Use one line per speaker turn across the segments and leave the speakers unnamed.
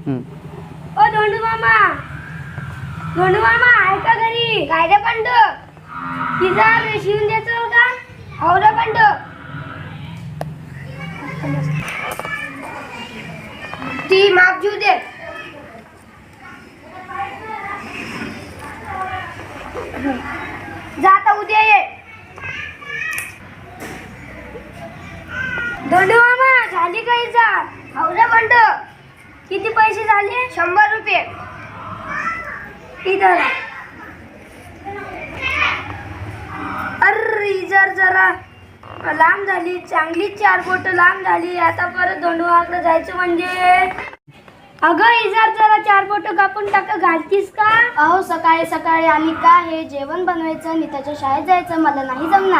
ओ धोंडू मामा, धोंडू मामा आहे का घरी? काय रे पंड, तिचा शिवून द्यायचं का? हो रे पंड. ती माप जीव दे. जाता उद्या ये. धोंडू मामा झाली का इजा? हो रे पंड. किती पैसे झाले? 100 रुपये. इधर. अरे इजर जरा लांब झाली, चांगली 4 बोट लांब झाली. आता परत धोंडूमामाकडे जायचं म्हणजे. अगं इजार जरा 4 बोट कापून टाका, घालतीस का?
अहो सकाळी सकाळी आली का? हे जेवण बनवायचं, नीताच्या शाळेत जायचं, मला नाही जमणार.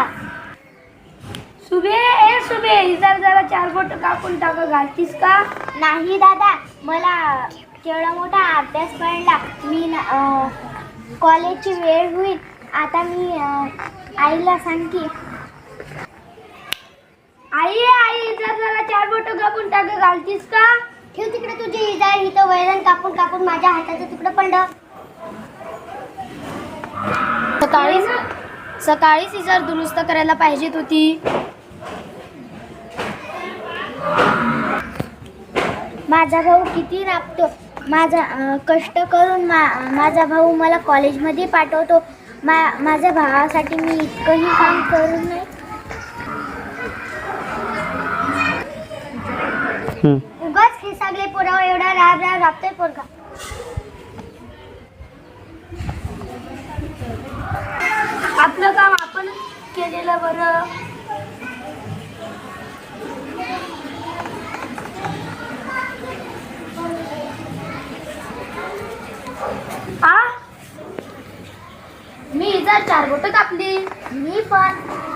सुबे इजार जरा 4 बोट कापून टाका, घालतीस का?
नाही दादा, मला केवढा मोठा अभ्यास पडला. मी कॉलेजची वेळ होईल. आता मी आईला सांगते.
आई इजार जरा 4 बोट कापून टाका, घालतीस का?
ठेव तिकडे तुझी इजा. इथं वैरण कापून कापून माझ्या हाताचं तुकडं पडलं. सकाळीच इजार दुरुस्त करायला पाहिजेत होती. माझा भाऊ किती राबतो. कष्ट करून माझा भाऊ मला कॉलेजमध्ये पाठवतो. माझ्या भावासाठी मी इतकंही काम करू नये. उगाच हे सगळे पोरावर एवढा राबतोय पोरगा.
आपलं काम आपण केलेलं बरं.
मी इजार 4 बोट कापली. मी पण.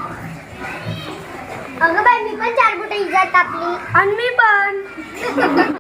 अगं बाई, मी पण 4 बोट इजार कापली.
आणि मी पण.